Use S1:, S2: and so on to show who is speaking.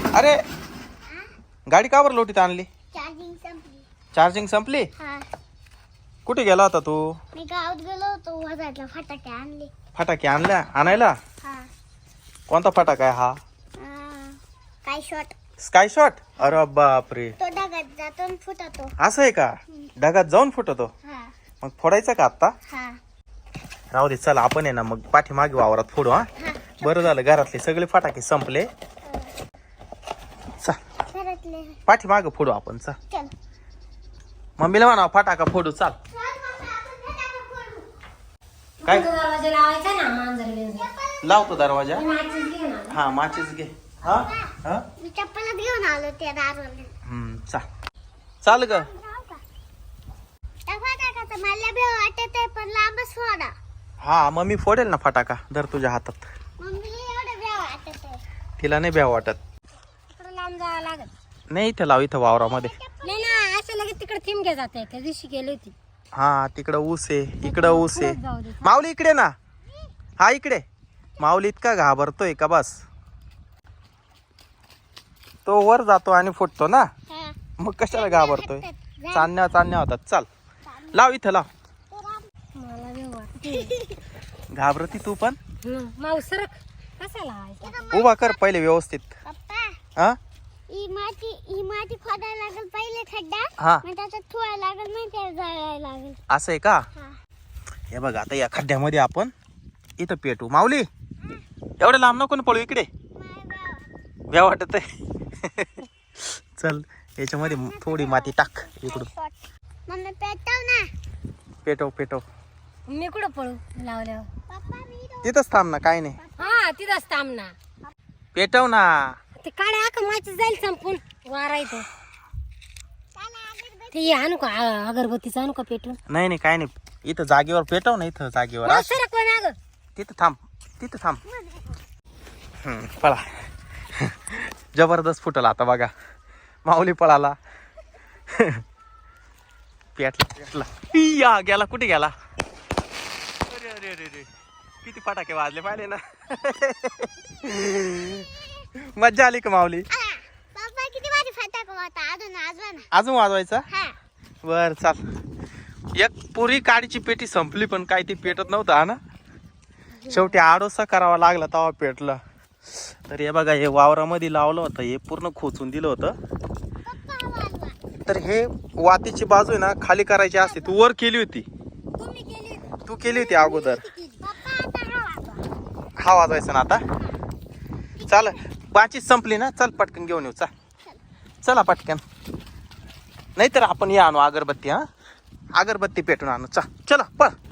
S1: अरे गाडी का बरं लोटीत आणली?
S2: चार्जिंग संपली.
S1: चार्जिंग संपली?
S2: हा,
S1: कुठे गेला होता तू?
S2: मी गावात गेलो होतो, वाजायला फटाके आणले.
S1: फटाके आणायला?
S2: हा,
S1: कोणता फटाका आहे हा?
S2: काय शॉट.
S1: Sky shot? अरे बापरे,
S2: तो ढगात जातो आणि फुटतो.
S1: असं आहे का? ढगात जाऊन फुटतो?
S2: हा
S1: मग फोडायचं का आता?
S2: हा
S1: राहू दे, चला आपण आहे ना मग पाठीमागे वावरात फोडू. हा,
S2: हा.
S1: बरं झालं घरातले सगळे फटाके संपले. चल
S2: घरातले
S1: पाठीमागे फोडू आपण. चल
S2: चल.
S1: मम्मीला म्हणा फटाका फोडू. चाल. काय
S3: दरवाजा लावायचा ना मांजर बिंजर.
S1: लावतो दरवाजा.
S3: माचीस घे ना.
S1: हा माचीस घे. हा हा
S2: मी चप्पलच घेऊन आलो त्या दारवाले.
S1: चाल ग.
S2: त्या फटाक्याचं मला बी वाटत आहे, पण लांबच फोडा.
S1: हा मग मी फोडेल ना फटाका. धर तुझ्या हातात.
S2: मम्मीला एवढं बी वाटत आहे.
S1: तिला नाही भ्या वाटत.
S3: तिकडं लांब जावं लागत.
S1: नाही इथं लाव, इथं वावरामध्ये.
S3: नाही ना, असं लगेच तिकडे थिमके जाते. त्या दिवशी गेली होती.
S1: हा तिकडं ऊस आहे, इकडं ऊस आहे.
S3: पुढं जाऊ दे.
S1: माऊली इकडे ना. हा इकडे. माऊली इतका घाबरतोय का बस. तो वर जातो आणि फुटतो ना,
S2: हा.
S1: मग कशाला घाबरतोय. चांदण्या होतात. चाल लाव, इथं लाव.
S3: मला बी वाटते.
S1: घाबरती तू पण.
S3: माऊस सरक. कसा लावायचा?
S1: उभा कर पहिले व्यवस्थित.
S2: पप्पा,
S1: हा
S2: ही माती खोदायला लागेल पहिले खड्डा.
S1: हा
S2: मग त्याच्यात ठेवायला लागेल, मग त्याला जाळायला लागेल.
S1: असं आहे का?
S2: हा.
S1: हे बघ आता या खड्ड्यामध्ये आपण इथं पेटू. माऊली एवढं लांब नको ना पळू. इकडे भ्या वाटत आहे. चल याच्यामध्ये थोडी माती टाक इकडून.
S2: मम्मी पेटव ना.
S1: पेटव.
S3: मी कुठं पळू लावल्यावर?
S2: पप्पा मी
S1: तिथंच थांब ना, काय नाही.
S3: हा तिथंच थांब ना.
S1: पेटव ना.
S3: ते काड्या आका माचीस जाईल संपून. वारायचं ते आणू का? अगरबत्तीचं आणू का पेटून?
S1: नाही काय नाही. इथं जागेवर पेटव ना. इथं जागेवर.
S3: माऊस सरक पण अगं.
S1: तिथं थांब. पळा. जबरदस्त फुटला आता बघा. माऊली पळाला. पेटला. या गेला. कुठे गेला? अरे किती फटाके वाजले पाहिले ना. मज्जा आली का माऊली?
S2: पप्पा किती भारी फटाका होता. अजून आजवा ना.
S1: अजून वाजवायचा?
S2: हा.
S1: बर चाल. एक पुरी काडीची पेटी संपली, पण काय ती पेटत नव्हतं. हा ना, शेवटी आडोसा करावा लागला तेव्हा पेटलं. तर हे बघा, हे वावरामध्ये लावलं होतं, हे पूर्ण खोचून दिलं होतं.
S2: पप्पा हा वाजवा.
S1: तर हे वातीची बाजू आहे ना खाली करायची असते. तू वर केली होती.
S3: तुम्ही केली होती.
S1: तू केली होती अगोदर.
S2: पप्पा आता हा वाजवा.
S1: हा वाजवायचा ना आता. चाल बाचीच संपली ना. चल पटकन घेऊन येऊ. चला पटकन. नाहीतर आपण हे आणू अगरबत्ती. हा अगरबत्ती पेटून आणू. चला पळ.